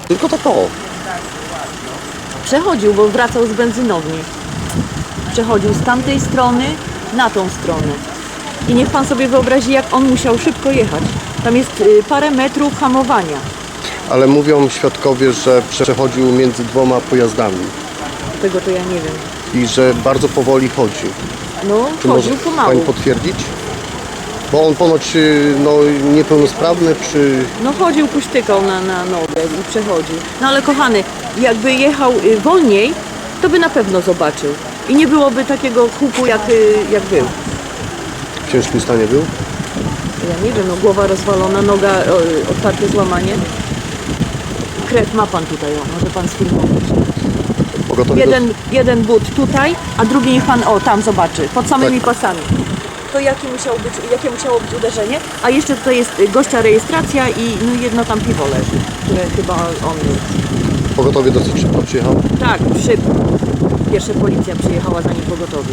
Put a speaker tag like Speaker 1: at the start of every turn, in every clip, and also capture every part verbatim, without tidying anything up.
Speaker 1: Tylko tak o.
Speaker 2: Przechodził, bo wracał z benzynowni. Przechodził z tamtej strony na tą stronę. I niech pan sobie wyobrazi, jak on musiał szybko jechać. Tam jest y, parę metrów hamowania.
Speaker 1: Ale mówią świadkowie, że przechodził między dwoma pojazdami
Speaker 2: Tego to ja nie wiem.
Speaker 1: i że bardzo powoli chodził.
Speaker 2: No,
Speaker 1: Czy
Speaker 2: chodził
Speaker 1: może
Speaker 2: pomału.
Speaker 1: pani potwierdzić? Bo on ponoć y, no, niepełnosprawny, czy...
Speaker 2: No chodził, puśtykał na, na nogę i przechodził. No ale kochany, jakby jechał y, wolniej, to by na pewno zobaczył. I nie byłoby takiego huku, jak, y, jak był.
Speaker 1: w ciężkim stanie był?
Speaker 2: Ja nie wiem, no głowa rozwalona, noga, o, otwarte złamanie. Krew ma pan tutaj, o, może pan sfilmować.
Speaker 1: Pogotowie
Speaker 2: Jeden, jeden but tutaj, a drugi niech pan, o, tam zobaczy, pod samymi
Speaker 1: Tak.
Speaker 2: pasami. To jakie musiało być, jakie musiało być uderzenie? A jeszcze tutaj jest y, gościa rejestracja i no, jedno tam piwo leży, które chyba on jest.
Speaker 1: do... Pogotowie dosyć szybko przyjechał.
Speaker 2: Tak, szybko. Pierwsza policja przyjechała, zanim pogotowie.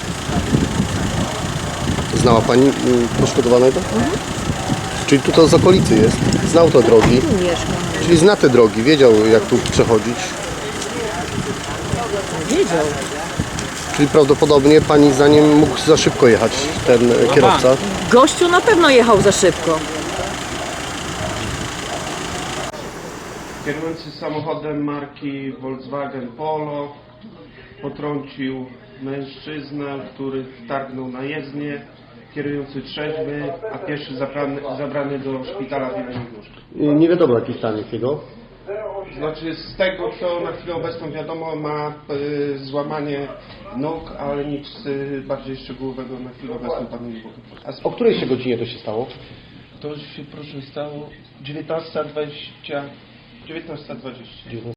Speaker 1: Znała pani y, poszkodowanego? Mhm. Czyli tu to z okolicy jest. Znał te drogi.
Speaker 2: Tu mieszkam.
Speaker 1: Czyli zna te drogi, wiedział jak tu przechodzić.
Speaker 2: Wiedział.
Speaker 1: Czyli prawdopodobnie pani zdaniem mógł za szybko jechać ten e, kierowca.
Speaker 2: Gościu na pewno jechał za szybko.
Speaker 3: Kierujący samochodem marki Volkswagen Polo potrącił mężczyznę, który wtargnął na jezdnię. Kierujący trzeźwy, a pieszy zabrany, zabrany do szpitala w Jeleniej Górze.
Speaker 1: Nie wiadomo jaki stan jest jego.
Speaker 3: Znaczy z tego, co na chwilę obecną wiadomo, ma y, złamanie nóg, ale nic y, bardziej szczegółowego na chwilę obecną panu nie powiem. A z-
Speaker 1: O której się godzinie to się stało?
Speaker 3: To się proszę stało dziewiętnasta dwadzieścia. dziewiętnasta dwadzieścia.